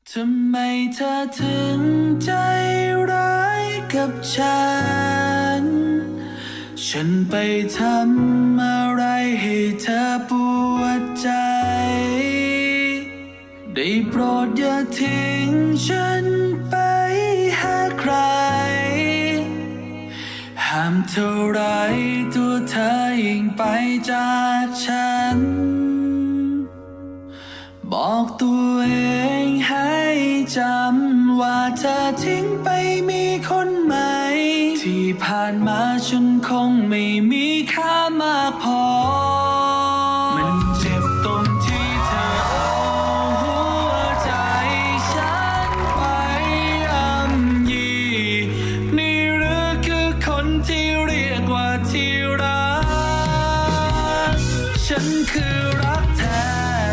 ทำไมเธอถึงใจร้ายกับฉัน ฉันไปทำอะไรให้เธอปวดใจ ได้โปรดอย่าทิ้งฉันไปหาใคร ห้ามเท่าไรตัวเธอยิ่งไปจากฉัน บอกตัวเองให้จำว่าเธอทิ้งไปมีคนใหม่ ที่ผ่านมาฉันคงไม่มีค่ามากพอ มันเจ็บตรงที่เธอเอาหัวใจฉันไปย่ำยีนี่หรือคือคนที่เรียกว่าที่รัก ฉันคือรักแท้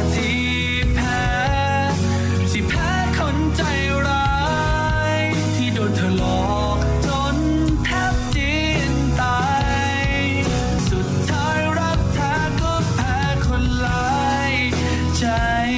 คนใจร้ายที่โดนเธอหลอกจนแทบจีนตายสุดท้ายรักแท้ก็แพ้คนหลายใจ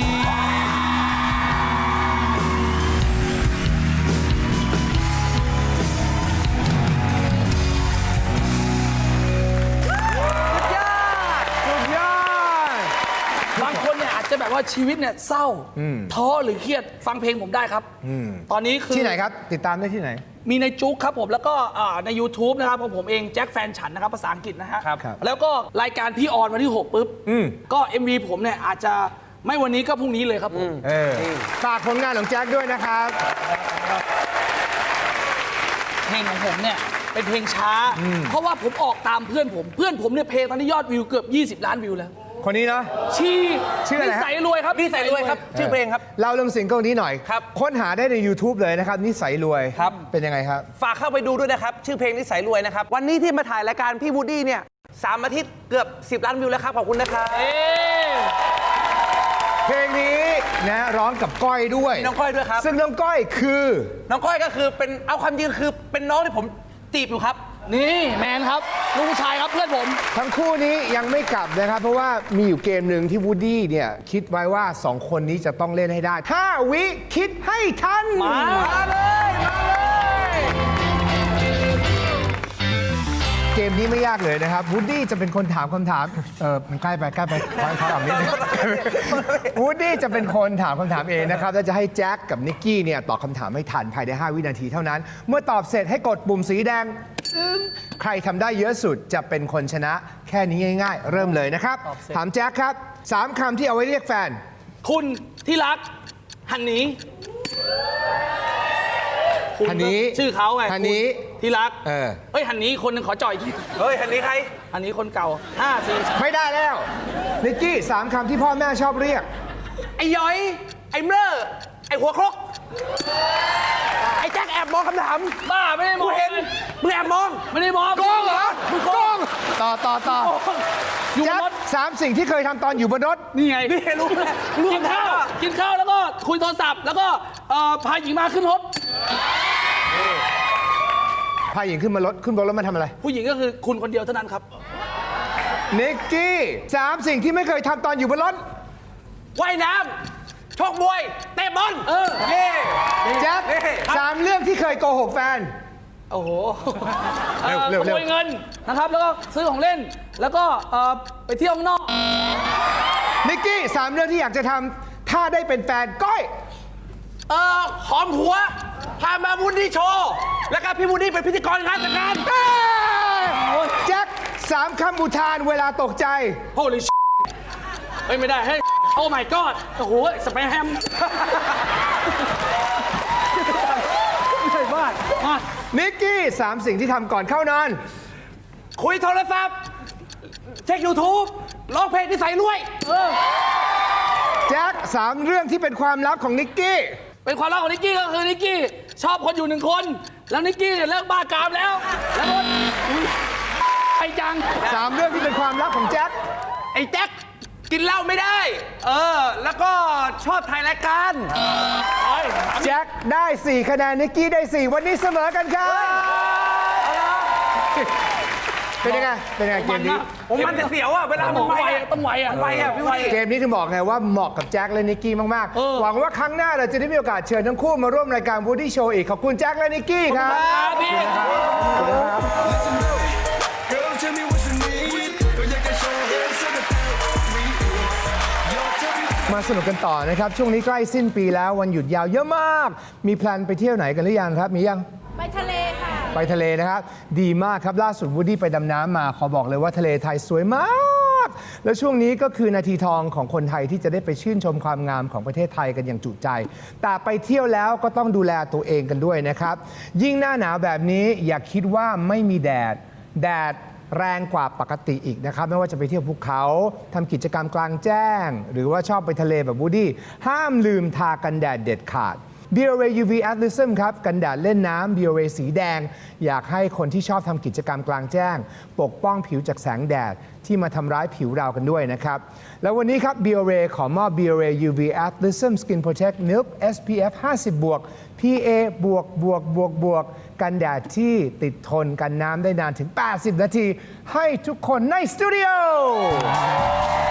บางคนเนี่ยอาจจะแบบว่าชีวิตเนี่ยเศร้าท้อหรือเครียดฟังเพลงผมได้ครับตอนนี้คือที่ไหนครับติดตามได้ที่ไหนมีในจุ๊กครับผมแล้วก็ใน YouTube นะครับของผมเองแจ็คแฟนฉันนะครับภาษาอังกฤษนะฮะครับแล้วก็รายการพี่ออนวันที่ 6 ปุ๊บก็ MV ผมเนี่ยอาจจะไม่วันนี้ก็พรุ่งนี้เลยครับผมฝากผลงานของแจ็คด้วยนะครับเพลงของผมเนี่ยเป็นเพลงช้า เพราะว่าผมออกตามเพื่อนผมเนี่ยเพลงตอนนี้ยอดวิวเกือบ20 ล้านวิวแล้วคนนี้เนาะชื่ออะไรนิสัยรวยครับนิสัยรวยครับชื่อเพลงครับเราเรื่องซิงเกิลนี้หน่อยครับค้นหาได้ใน YouTube เลยนะครับนิสัยรวยครับเป็นยังไงครับฝากเข้าไปดูด้วยนะครับชื่อเพลงนิสัยรวยนะครับวันนี้ที่มาถ่ายรายการพี่วูดดี้เนี่ย3 อาทิตย์เกือบ10 ล้านวิวแล้วครับขอบคุณนะครับเพลงนี้นะร้องกับก้อยด้วยน้องก้อยด้วยครับซึ่งน้องก้อยคือน้องก้อยก็คือเป็นเอาความจริงคือเป็นน้องที่ผมจีบอยู่ครับนี่แมนครับลูกผู้ชายครับเพื่อนผมทั้งคู่นี้ยังไม่กลับนะครับเพราะว่ามีอยู่เกมหนึ่งที่วูดดี้เนี่ยคิดไว้ว่า2 คนนี้จะต้องเล่นให้ได้5 วิคิดให้ทันมาเลยเกมนี้ไม่ยากเลยนะครับวูดดี้จะเป็นคนถามคำถามมันใกล้ไปขอออกนิดนึงวูดดี้จะเป็นคนถามคำถามเองนะครับแล้วจะให้แจ็คกับนิกกี้เนี่ยตอบคำถามให้ทันภายใน5 วินาทีเท่านั้นเมื่อตอบเสร็จให้กดปุ่มสีแดงใครทำได้เยอะสุดจะเป็นคนชนะแค่นี้ง่ายๆเริ่มเลยนะครับถามแจ็คครับ3 คำที่เอาไว้เรียกแฟนคุณที่รักหันหนีฮันนี้ชื่อเขาไงฮันนี้ที่รักเฮ้ยฮันนี้คนหนึ่งขอจ่อยทีเฮ้ยฮันนี้ใครฮันนี้คนเก่า5 4 ไม่ได้แล้วนิกกี้3 คำที่พ่อแม่ชอบเรียกไอ้ย้อยไอ้เมื่อไอ้หัวครกไอ้แจ็คแอบมองคำถามบ้าไม่ได้มองเห็นมึงแอบมองไม่ได้มองโกงเหรอมึงโกงต่ออยู่บนรถ3 สิ่งที่เคยทำตอนอยู่บนรถนี่ไงนี่รู้แล้วกินข้าวแล้วก็คุยโทรศัพท์แล้วก็พาหญิงมาขึ้นรถพาหญิงขึ้นบนรถมาทำอะไรผู้หญิงก็คือคุณคนเดียวเท่านั้นครับนิกกี้3 สิ่งที่ไม่เคยทำตอนอยู่บนรถว่ายน้ำชกมวยเตะบอลแจ็ค3 เรื่องที่เคยโกหกแฟนโอ้โหเร็วขโมยเงินนะครับแล้วก็ซื้อของเล่นแล้วก็ไปเที่ยวข้างนอกนิกกี้3 เรื่องที่อยากจะทำถ้าได้เป็นแฟนก้อยหอมหัวพามาวูดดี้โชว์แล้วก็พี่วูดดี้เป็นพิธีกรงานแต่งงานแจ็ค3 คำอุทานเวลาตกใจ Holy shit เฮ้ยไม่ได้ให้ Oh my god โอ้โหสเปรย์แฮมไม่ใช่บ้ามานิกกี้3 สิ่งที่ทำก่อนเข้านอนคุยโทรศัพท์เช็ค YouTube ร้องเพลงนิสัยรวยแจ็ค3 เรื่องที่เป็นความลับของนิกกี้เป็นความลับของนิกกี้ก็คือนิกกี้ชอบคนอยู่1 คนแล้วนิกกี้เนี่ยเลิกบ้ากามแล้วก็ไอ้จัง 3 เรื่องที่เป็นความลับของแจ็คไอ้แจ็คกินเหล้าไม่ได้แล้วก็ชอบถ่ายรายการแจ็คได้4 คะแนนนิกกี้ได้4วันนี้เสมอกันครับเป็นยังไงเกมนี้ผมมันจะเสียวอ่ะเวลาต้มัอน งไปไวอ่ะต้องไวอ่ะไปอ่ะพี่วูดดี้เกมนี้ถึงบอกไงว่าเหมาะกับแจ็คและนิกกี้มากเออๆ หวังว่าครั้งหน้าเราจะได้มีโอกาสเชิญทั้งคู่มาร่วมรายการ Woody Show อีก ขอบคุณแจ็คและนิกกี้ครับครับพี่ Girl, tell me what you need. ก็อยากจะโชว์ให้สักแต่มาสนุกกันต่อนะครับ ช่วงนี้ใกล้สิ้นปีแล้ววันหยุดยาวเยอะมาก มีแพลนไปเที่ยวไหนกันหรือยังครับ มียังไปทะเลค่ะไปทะเลนะครับ ดีมากครับ ล่าสุดวูดดี้ไปดำน้ำมา ขอบอกเลยว่าทะเลไทยสวยมาก แล้วช่วงนี้ก็คือนาทีทองของคนไทยที่จะได้ไปชื่นชมความงามของประเทศไทยกันอย่างจุใจ แต่ไปเที่ยวแล้วก็ต้องดูแลตัวเองกันด้วยนะครับ ยิ่งหน้าหนาวแบบนี้อย่าคิดว่าไม่มีแดดแรงกว่าปกติอีกนะครับ ไม่ว่าจะไปเที่ยวภูเขาทำกิจกรรมกลางแจ้ง หรือว่าชอบไปทะเลแบบวูดดี้ห้ามลืมทากันแดดเด็ดขาด BioRay UV Atlasm ครับ กันแดดเล่นน้ำ BioRay สีแดง อยากให้คนที่ชอบทำกิจกรรมกลางแจ้ง ปกป้องผิวจากแสงแดดที่มาทำร้ายผิวเรากันด้วยนะครับ แล้ววันนี้ครับ BioRay ขอมอบ BioRay UV Atlasm Skin Protect Milk SPF 50 บวก PA บวกบวกบวกบวกกันแดดที่ติดทนกันน้ำได้นานถึง 80 นาที ให้ทุกคนในสตูดิโอ